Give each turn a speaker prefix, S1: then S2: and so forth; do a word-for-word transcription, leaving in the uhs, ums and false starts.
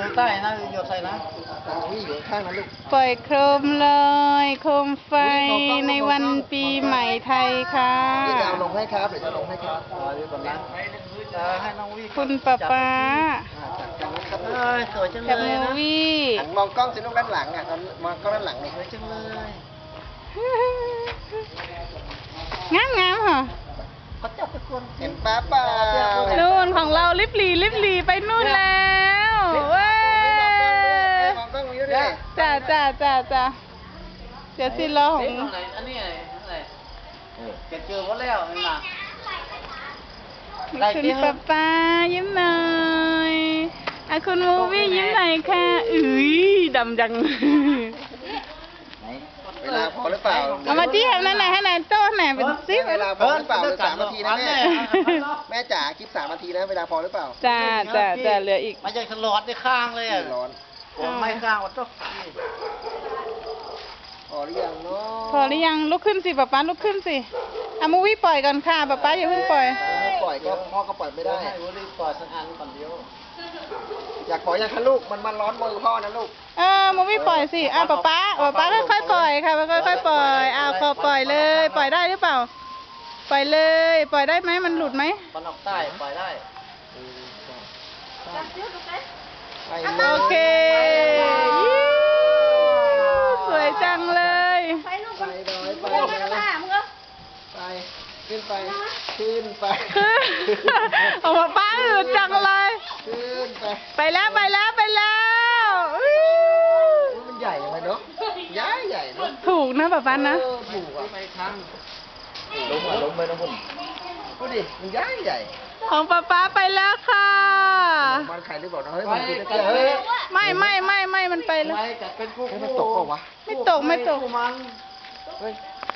S1: างใต้นะหยดใส่นะ
S2: นี่อยู่ข้างนั้นลูก
S3: ปล่อยโคมลอยโคมไฟในวันปีใหม่ไทยค่ะ
S2: เดี๋ยวจะเอาลงให้ครับเดี๋ยวจะลงให้ครับ
S1: เออเดี๋ยวก่อนนะจะให้น้องวี่
S3: คุณป๊าป๊า
S2: อ่าจัดการนะครับ
S1: เอ้ยสวยจัง
S3: กับ
S1: เล
S3: โม
S1: ยนะ
S3: วี่
S2: หันมองกล้องสิลูกด้านหลังอ่ะตอนมองกล้องด้านหลังนี่
S1: สวยจังเลย
S3: งามงามๆเหรอ
S1: เขาจับทุกคน
S2: เห็นป้าเปล่า
S3: นู่นของเราลิบหลีลิบหลีไปนู่นแล้วเว้ย
S2: มองกล้องนี้ด้วย
S3: จ้าจ้าจ้าจ้าเดี๋ยวสิรอของ
S1: เอ๊ะไหนอันนี้อะไรอะไรเก็บเจอหมดแล้วนี่นะ
S3: คุณป๊าป๊ายิ้มหน่อยอ่ะคุณมูวี่ยิ้มหน่อยค่ะอุ้ยดำจัง
S2: เวลาพอหรือเปล่า
S3: เอามาที่ให้นั่นไหนให้ไหนโต้ไหนเป็นซิป
S2: เวลาพอหรือเปล่าเหลือสามนาทีนะแม่แม่จ๋าคลิปสามนาทีนะเวลาพอหรือเปล่า
S3: จ้าจ้าจ้าเหลืออีก
S1: มาจากฉลอดในข้างเลยอ่ะ
S2: ร้อน
S1: ผมไม่ข้างวัดต้อง
S2: พอหรือยังเนาะ
S3: พอหรือยังลุกขึ้นสิป๊าป๊าลุกขึ้นสิอ่ะมูวี่ปล่อยก่อนค่ะป๊าป๊าอย่าเพิ่งปล่อย
S2: ไม่ปล่อยก็พ่อก็ปล่อยไม่ได้
S1: ให้วุ้ยปล่อยสักอันก่อนเดียว
S2: อยากปล่อยยังคะลูกมันมันร้อนมือพ่อนะลูก
S3: เออมูวี่ปล่อยสิอ่ะป๊าป๊าป๊าป๊าค่อยๆปล่อยค่ะค่อยๆปล่อยอ้าวขอปล่อยเลย ปล่อยได้หรือเปล่า ปล่อยเลย ปล่อยได้ไหมมันหลุดไหม
S1: มันออกใต้ปล่อยได้
S2: ไปเลย
S3: โอเคยิ้วสวยจังเลย
S2: ไปน้อยไปเลยไปขึ้นไปขึ้นไป
S3: คือโอ้ป๊าป๊าอืดจังเลย
S2: ขึ้นไป
S3: ไปแล้วไปแล้วไปแล้วอื้อ
S2: มันใหญ่ยังไงเนาะใหญ่ใหญ่เนาะ
S3: ถูกนะป๊าป๊านะ
S2: เออถูกอ่ะ
S1: ไปครั้ง
S2: ล้มอ่ะล้มไปนะคุณดูดิมันใหญ่ใหญ่
S3: ของป๊าป๊าไปแล้วค่ะ
S2: บ้านใครหรือเปล่าเนาะเฮ้ยมันคือตะเกียบเฮ้ย
S3: ไม่ไม่ไม่ไม่มันไปแล้ว
S1: ไปจัดเป็นคู่
S2: เฮ้ย
S1: คู่
S2: มันตกเปล่าวะ
S3: ไม่ตกไม่ตก
S1: คู่มัน
S2: เฮ้ย